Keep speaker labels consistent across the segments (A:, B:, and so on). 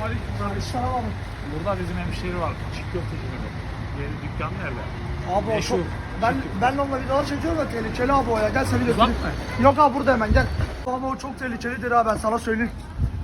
A: Selamünaleyküm kardeşim.
B: Selam abi.
A: Burada bizim hemşehri var. Çiğ köfteci dedi. Yeri dükkan nerede?
B: Abi o
A: Meşhur.
B: çok... Ben onunla videolar çekiyorum da tehlikeli abi o ya. Gel seni
A: Uzak
B: götüreyim.
A: mı?
B: Yok abi burada hemen gel. Abi o çok tehlikelidir ha ben sana söyleyeyim.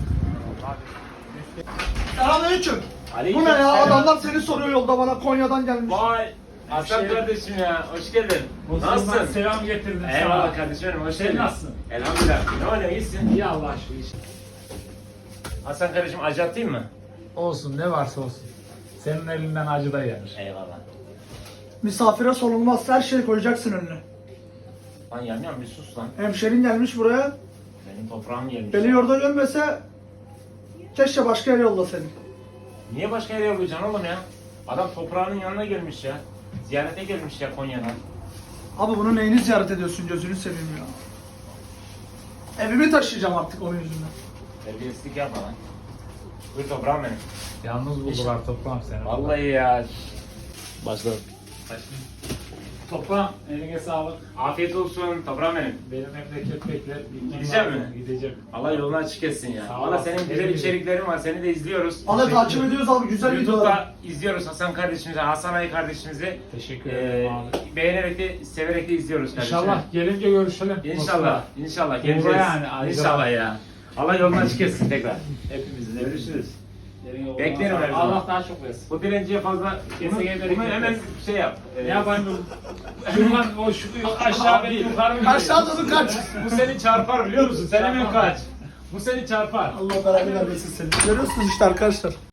B: Selamünaleyküm. Bu ne ya? Adamlar seni soruyor yolda bana Konya'dan gelmiş.
C: Vay Hasan kardeşim ya, hoş geldin. Nasılsın?
A: Selam getirdim sana.
C: Eyvallah kardeşim benim, hoş
A: Sen
C: geldin.
A: nasılsın?
C: Elhamdülillah. Ne var ne iyisin?
A: İyi Allah aşkına.
C: Hasan kardeşim acı atayım mı?
A: Olsun ne varsa olsun. Senin elinden acı da yenir.
C: Eyvallah.
B: Misafire sorulmaz. Her şeyi koyacaksın önüne.
C: Lan yanıyorum bir sus lan.
B: Hemşerin gelmiş buraya.
C: Benim toprağım gelmiş.
B: Beni yurda gömmese keşke başka yere yolla seni.
C: Niye başka yere yollayacaksın oğlum ya? Adam toprağının yanına gelmiş ya. Ziyarete gelmiş ya Konya'dan.
B: Abi bunu neyini ziyaret ediyorsun gözünü seveyim ya. Evimi taşıyacağım artık onun yüzünden.
C: Terbiyesizlik yapma lan. Buyur toprağım benim.
A: Yalnız buldular toprağım seni.
C: Vallahi ya. Başladım.
A: Toprağım eline sağlık.
C: Afiyet olsun toprağım benim.
A: Benim memleket bekler.
C: Gideceğim mi?
A: Gideceğim.
C: Allah yolunu açık etsin ya.
A: Sağ
C: Valla
A: olasın.
C: senin güzel içeriklerin var. Seni de izliyoruz.
B: Valla takip ediyoruz abi güzel videolar.
C: YouTube'da izliyoruz Hasan kardeşimizi, Hasan Ali kardeşimizi.
A: Teşekkür ederim abi.
C: Beğenerek de, severek de izliyoruz kardeşim.
A: İnşallah gelince görüşelim.
C: İnşallah. İnşallah.
A: Uğra
C: Geleceğiz.
A: yani, ayrıca.
C: İnşallah ya. Allah yolunu açık etsin tekrar.
A: Hepimizin.
C: Görüşürüz.
A: Beklerim
C: Beklerim her zaman.
A: Allah daha çok versin.
C: Bu dilenciye fazla bunu hemen şey yap.
A: Ne yapayım bu? Şuradan o şu aşağı beni yukarı mı?
B: Aşağı doğru kaç.
C: Bu seni çarpar biliyor musun? Sen hemen kaç. Bu seni çarpar.
B: Allah belanı vermesin seni. Görüyorsunuz işte arkadaşlar.